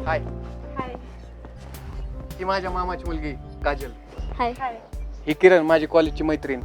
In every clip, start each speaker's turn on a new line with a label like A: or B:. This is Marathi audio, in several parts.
A: हाय.
B: हाय.
A: ही माझ्या मामाची मुलगी काजल.
B: हाय. हाय.
A: ही किरण माझी कॉलेजची मैत्रीण.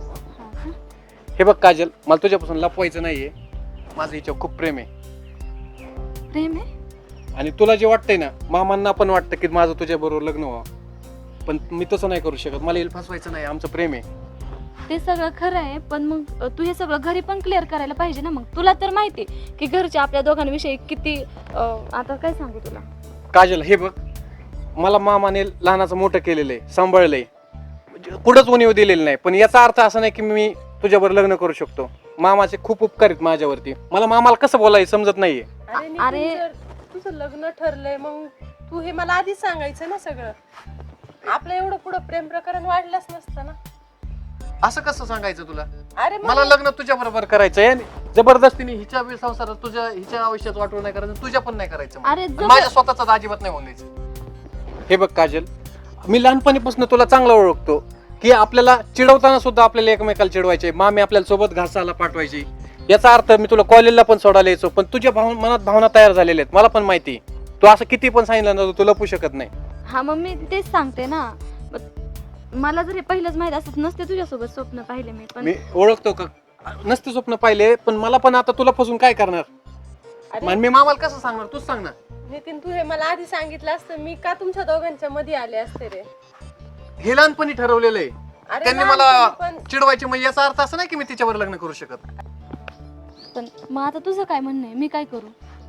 A: हे बघ काजल, मला तुझ्यापासून लपवायचं नाहीये. माझं हिच्यावर खूप प्रेम आहे.
B: प्रेम आहे?
A: आणि तुला जे वाटतंय ना, मामांना पण वाटतं की माझं तुझ्या बरोबर लग्न व्हावं, पण मी तसं नाही करू शकत. मला हिला फसवायचं नाही. आमचं प्रेम आहे.
B: ते सगळं खरं आहे, पण मग तू हे सगळं घरी पण क्लिअर करायला पाहिजे ना. मग तुला तर माहिती की घरचे आपल्या दोघांविषयी किती आता काय सांगू तुला.
A: काजल हे बघ, मला मामाने लहानाचं मोठं केलेलं आहे, सांभाळलंय, कुठंच उणीव दिलेली नाही. पण याचा अर्थ असा नाही की मी तुझ्यावर लग्न करू शकतो. मामाचे खूप उपकार आहेत माझ्यावरती. मला मामाला कसं बोलायचं समजत नाहीये.
C: अरे तुझं लग्न ठरलंय, मग तू हे मला आधीच सांगायचं ना. सगळं आपलं एवढं पुढं प्रेम प्रकरण वाढलंच नसतं ना.
A: असं कसं सांगायचं तुला?
C: अरे
A: मला लग्न तुझ्या बरोबर करायचंय आणि जबरदस्तीने हिच्या संसारात तुझ्या हिच्या आयुष्यात वाटून नाही करायचं, तुझ्या पण नाही करायचं.
B: अरे
A: माझ्या स्वतःचा अजिबात नाही होऊन द्यायचं. हे बघ काजल, मी लहानपणीपासून तुला चांगला ओळखतो की आपल्याला चिडवताना सुद्धा आपल्याला एकमेकाला चिडवायचे. मामी आपल्याला सोबत घासायला पाठवायची. याचा अर्थ मी तुला कॉलेजला पण सोडायला यायचो, पण तुझ्या मनात भावना तयार झालेल्या आहेत. मला पण माहिती, तू असं किती पण सांगितलं ना, तू लपू शकत नाही.
B: हा मग मी तेच सांगते ना. मला जर हे पहिलंच माहित असत नसते तुझ्यासोबत स्वप्न पाहिले मी. पण
A: मी ओळखतो का नसते स्वप्न पाहिले, पण मला पण आता तुला फसून काय करणार. मी मामाला कसं सांगणार, तूच सांग ना.
C: नितीन, तू हे मला आधी सांगितलं असतं, मी का तुमच्या दोघांच्या मध्ये आले असते रे.
A: हे लहानपणी ठरवलेलं आहे.
C: अरे
A: त्यांनी मला चिडवायचे, म्हणजे याचा अर्थ असं नाही की मी तिच्यावर लग्न करू शकत.
B: पण मग आता तुझं काय म्हणणं आहे, मी काय करू?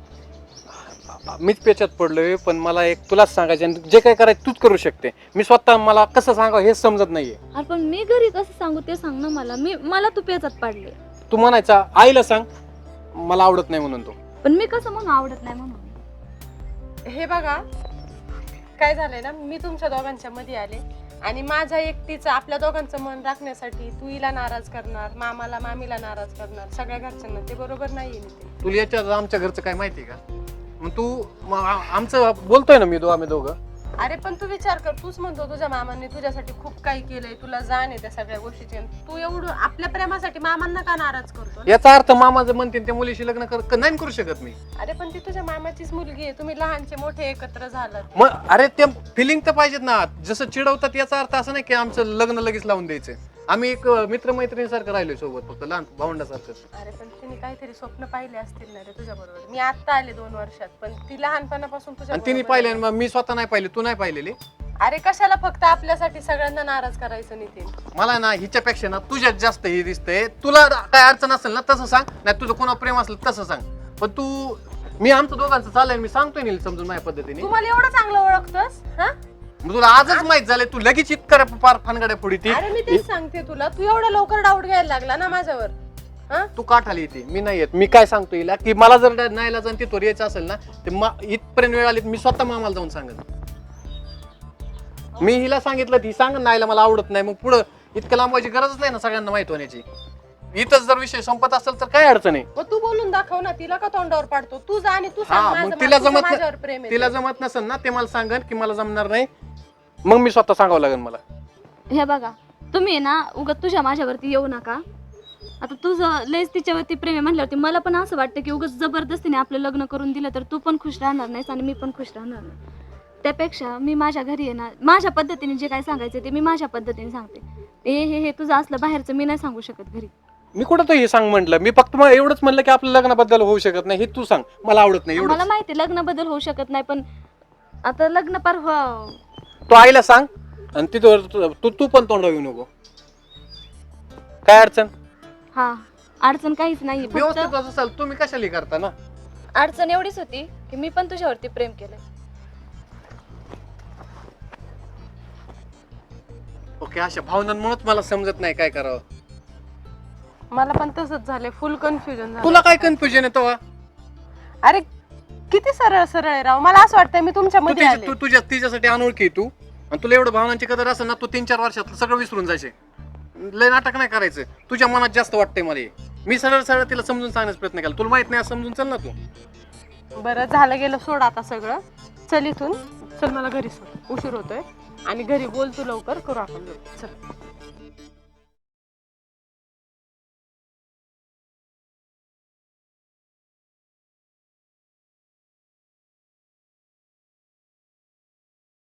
A: मीच पेचात पडलोय, पण मला एक तुलाच सांगायचं, जे काय करायचं तूच करू शकते. मी स्वतः मला कसं सांगावं हेच समजत नाहीये.
B: अरे पण मी घरी कसं सांगू ते सांग ना मला. मला तू पेचात पाडले.
A: तू म्हणायचा आईला सांग मला आवडत नाही म्हणून. तो
B: पण मी कसं म्हणून आवडत नाही म्हणून.
C: हे बघा काय झालंय ना, मी तुमच्या दोघांच्या मध्ये आले आणि माझ्या एकटीचं आपल्या दोघांचं मन राखण्यासाठी तू हिला नाराज करणार, मामाला मामीला नाराज करणार, सगळ्या घरच्यांना. ते बरोबर नाहीये नितीन.
A: तुला याच्यात आमच्या घरचं काय माहिती का? मग तू आमचं बोलतोय ना, आम्ही दोघं.
C: अरे पण तू विचार कर, तूच म्हणतो तुझ्या मामांनी तुझ्यासाठी खूप काही केलंय, तुला जाण आहे त्या सगळ्या गोष्टीची. तू एवढं आपल्या प्रेमासाठी मामांना का नाराज करतो?
A: याचा अर्थ मामा जर म्हणते त्या मुलीशी लग्न नाही करू शकत मी.
C: अरे पण ती तुझ्या मामाचीच मुलगी आहे, तुम्ही लहानचे मोठे एकत्र झालात.
A: मग अरे ते फिलिंग तर पाहिजेत ना. जसं चिडवतात याचा अर्थ असं नाही की आमचं लग्न लगेच लावून द्यायचं. आम्ही एक मित्रमैत्रिणीसारखं राहिलोय सोबत, फक्त लहान भावंडासारखं.
C: अरे पण तिने काहीतरी स्वप्न पाहिले असतील ना रे तुझ्या बरोबर. मी आता आले 2 वर्षात, पण ती लहानपणापासून तुझ्या
A: आणि तिने पाहिले, मग मी स्वतः नाही पाहिले, तू नाही पाहिलेली.
C: अरे कशाला फक्त आपल्यासाठी सगळ्यांना नाराज करायचं नितीन.
A: मला ना हिच्यापेक्षा ना तुझ्यात जास्त हे दिसतंय. तुला काय अडचण असेल ना तसं सांग, नाही तुझं कोणा प्रेम असलं तसं सांग. पण तू मी आमचं दोघांचं चाललंय, मी सांगतोय नील समजून माझ्या पद्धतीने.
C: तू मला एवढं चांगलं ओळखतोस हा?
A: मग तुला आजच माहित झालंय, तू लगेच इतकं पार फानगड्या पुढे ती.
C: अरे मी तेच सांगते तुला, तू एवढा लवकर डाऊट घ्यायला लागला ना माझ्यावर. हा?
A: तू का ठाली येते, मी नाही येत. मी काय सांगतो हिला की मला जर नाहीला जाऊन तिथवर यायचं असेल ना, ते इथपर्यंत वेळ आली मी स्वतः मामाला जाऊन सांगत. मी हिला सांगितलं, ती सांग नाहीला मला आवडत नाही. मग पुढं इतकं लांबवायची गरजच नाही ना सगळ्यांना माहित होण्याची. इथंच जर विषय संपत असेल तर काय अडचण आहे.
C: मग तू बोलून दाखव ना, तिला का तोंडावर पाडतो? तू जा आणि तू सांग
A: हा,
C: माझं,
A: मग तिला
C: माझ्यावर प्रेम आहे.
A: तिला जमत नसेल ना, ते मला सांगन की मला जमणार नाही, मग मी स्वतः सांगावं लागेल मला.
B: हे बघा तुम्ही ना उगाच तुझ्या माझ्यावरती येऊ नका. आता तुझं लयच तिच्यावरती प्रेम आहे म्हणल्यावरती मला पण असं वाटतं की उगाच जबरदस्तीने आपलं लग्न करून दिलं तर तू पण खुश राहणार नाहीस आणि मी पण खुश राहणार नाही. त्यापेक्षा मी माझ्या घरी आहे ना, माझ्या पद्धतीने जे काय सांगायचं ते मी माझ्या पद्धतीने सांगते. हे तुझं असलं बाहेरचं मी नाही सांगू शकत घरी.
A: मी कुठं तो हे सांग म्हटलं, मी फक्त मग एवढंच म्हणलं की आपल्या लग्नाबद्दल होऊ शकत नाही, हे तू सांग मला आवडत नाही एवढं.
B: मला माहिती लग्न बदल होऊ शकत नाही, पण आता लग्न पार
A: तू आईला सांग आणि तिथं तू पण तोंडावर येऊ नको. काय अडचण?
B: हा अडचण काहीच नाही.
A: व्यवस्थित असेल तुम्ही कशाला करता ना.
B: अडचण एवढीच होती की मी पण तुझ्यावरती प्रेम केलंय.
A: ओके, अशा भावनांमुळेच मला समजत नाही काय करावं.
C: मला पण तसंच झालंय, फुल कन्फ्युजन झालं.
A: तुला काय कन्फ्युजन येतो?
C: अरे किती सरळ सरळ आहे राव. मला असं वाटतंय मी तुमच्या मध्ये आले.
A: तू तिच्यासाठी अनोळखी तू, आणि तुला एवढं भावनांची कदर असेल ना, तू 3-4 वर्षात सगळं विसरून जायचे. लय नाटक नाही करायचं. तुझ्या मनात जास्त वाटतंय मला. मी सरळ सरळ तिला समजून सांगण्याचा प्रयत्न केला. तुला माहित नाही समजून चल ना तू.
C: बरं झालं गेलं, सोड आता सगळं. चल इथून चल, मला घरी सोड, उशीर होतोय. आणि घरी बोल तू लवकर, करू आपण चल.